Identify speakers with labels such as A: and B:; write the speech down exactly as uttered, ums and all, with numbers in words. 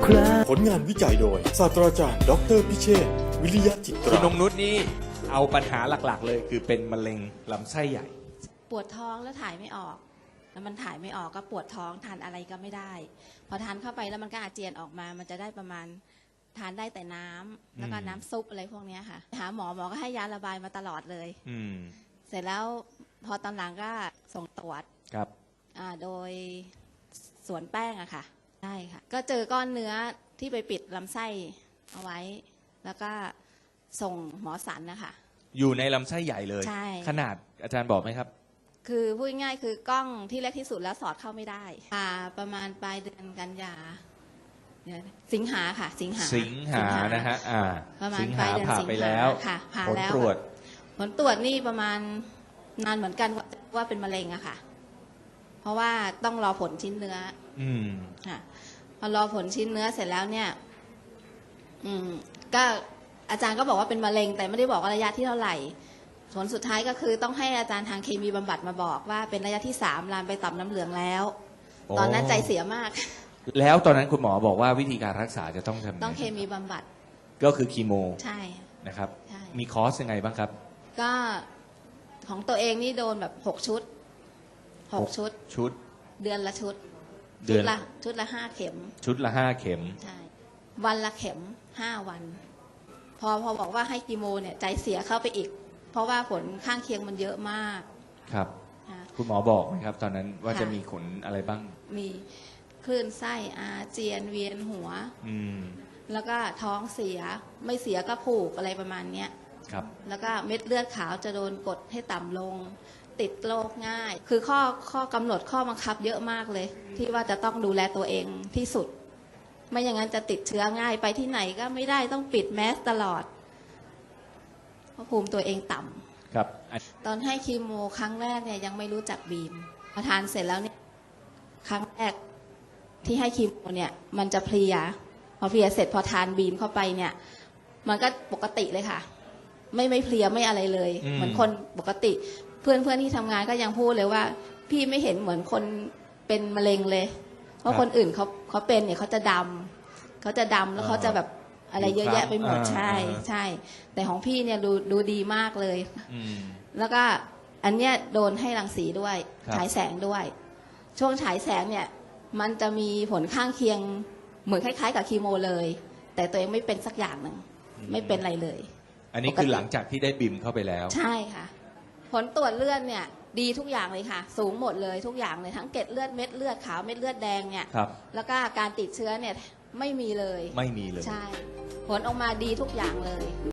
A: ครา
B: ผลงานวิจัยโดยศาสตราจารย์ดออเตอร์พิเชษฐ์วิริยะจิต
C: คุ
B: รา
C: ณนงนุชนี่เอาปัญหาหลักๆ เลยคือเป็นมะเร็งลำไส้ใหญ่
D: ปวดท้องแล้วถ่ายไม่ออก แล้วมันถ่ายไม่ออกก็ปวดท้องทานอะไรก็ไม่ได้ พอทานเข้าไปแล้วมันก็อาเจียนออกมา มันจะได้ประมาณทานได้แต่น้ำแล้วก็น้ำซุปอะไรพวกเนี้ยค่ะ หาหมอหมอก็ให้ยาระบายมาตลอดเลย
C: อืม
D: เสร็จแล้วพอตอนหลังก็ส่งตรวจ
C: ครับ
D: อ่าโดยสวนแป้งอะค่ะใช่ค่ะ ก็เจอก้อนเนื้อที่ไปปิดลำไส้เอาไว้ แล้วก็ส่งหมอสันนะคะ
C: อยู่ในลำไส้ใหญ่เลย
D: ใช่
C: ขนาดอาจารย์บอกไหมครับ
D: คือพูดง่ายๆคือกล้องที่เล็กที่สุดแล้วสอดเข้าไม่ได้อ่าประมาณปลายเดือนกันยาเดี๋ยวสิงหาค่ะ สิงหา
C: สิงหานะฮะอ่า
D: ประมาณ
C: สิง
D: ปลา
C: หาย
D: เดือน
C: ผ่า
D: สิง
C: ไป
D: หา
C: แล้ว
D: ค่ะผ่า
C: ผล
D: แล้ว
C: ตรวจ
D: ผลตรวจนี่ประมาณนานเหมือนกันว่าว่าเป็นมะเร็งอะค่ะ เพราะว่าต้องรอผลชิ้นเนื้อ
C: อืม
D: ค่ะพอรอผลชิ้นเนื้อเสร็จแล้วเนี่ย อืม ก็อาจารย์ก็บอกว่าเป็นมะเร็ง แต่ไม่ได้บอกว่าระยะที่เท่าไหร่ ผลสุดท้ายก็คือต้องให้อาจารย์ทางเคมีบำบัดมาบอกว่าเป็นระยะที่สามลามไปต่อมน้ำเหลืองแล้ว
C: โอ้
D: ตอนนั้นใจเสียมาก
C: แล้วตอนนั้นคุณหมอบอกว่าวิธีการรักษาจะต้องทำไ
D: ต้องเคมีบำบัด
C: ก็คือคีโม
D: ใช่
C: นะครับ
D: ใช่
C: มีคอร์สยังไงบ้างครับ
D: ก็ของตัวเองนี่โดนแบบหกชุดหกชุด
C: ชุด
D: เดือนละชุด
C: เดื
D: ชุ
C: อ
D: ด
C: น
D: ละชุดละห้าเข็ม
C: ชุดละห้าเข็ม
D: ใช่ วันละเข็มห้าวัน พอพอบอกว่าให้กีโมเนี่ยใจเสียเข้าไปอีก เพราะว่าผลข้างเคียงมันเยอะมาก
C: ครับ
D: นะ
C: คุณหมอบอกไหมครับ ตอนนั้นว่า
D: ค่ะ
C: จะมีผลอะไรบ้าง
D: มีคลื่นไส้อาเจียนเวียนหัว
C: อืม
D: แล้วก็ท้องเสียไม่เสียก็ผูกอะไรประมาณเนี้ย
C: ครับ
D: แล้วก็เม็ดเลือดขาวจะโดนกดให้ต่ำลง ติดโรคง่าย คือข้อข้อกำหนดข้อบังคับเยอะมากเลย ที่ว่าจะต้องดูแลตัวเองที่สุด ไม่อย่างนั้นจะติดเชื้อง่ายไปที่ไหนก็ไม่ได้ต้องปิดแมสตลอดเพราะภูมิตัวเองต่ำ
C: ครับอัน
D: ตอนให้คีโมครั้งแรกเนี่ยยังไม่รู้จักบีมพอทานเสร็จแล้วเนี่ยครั้งแรกที่ให้คีโมเนี่ย มันจะเพลีย พอเพลียเสร็จพอทานบีมเข้าไปเนี่ย มันก็ปกติเลยค่ะ ไม่ไม่เพลียไม่อะไรเลย
C: อืม
D: เหมือนคนปกติ เพื่อนเพื่อนที่ทำงานก็ยังพูดเลยว่า พี่ไม่เห็นเหมือนคนเป็นมะเร็งเลย เพราะคนอื่นเขาเขาเป็นเนี่ยเขาจะดำเขาจะดำแล้วเขาจะแบบอะไรเยอะแยะไปหมดใช่ใช่ แต่ของพี่เนี่ยดูดูดีมากเลย
C: อืม
D: แล้วก็อันเนี้ยโดนให้รังสีด้วย
C: ครับ
D: ฉายแสงด้วย ช่วงฉายแสงเนี่ย มันจะมีผลข้างเคียงเหมือนคล้ายๆ กับคีโมเลย แต่ตัวเองไม่เป็นสักอย่างหนึ่งไม่เป็นอะไรเลย
C: อันนี้คือหลังจากที่ได้บิมเข้าไปแล้ว
D: ใช่ค่ะ ผลตรวจเลือดเนี่ย ดีทุกอย่างเลยค่ะ สูงหมดเลยทุกอย่างเลยทั้งเกล็ดเลือดเม็ดเลือดขาวเม็ดเลือดแดงเนี่ย
C: ครับ
D: แล้วก็การติดเชื้อเนี่ยไม่มีเลย
C: ไม่มีเลย
D: ใช่ ผลออกมาดีทุกอย่างเลย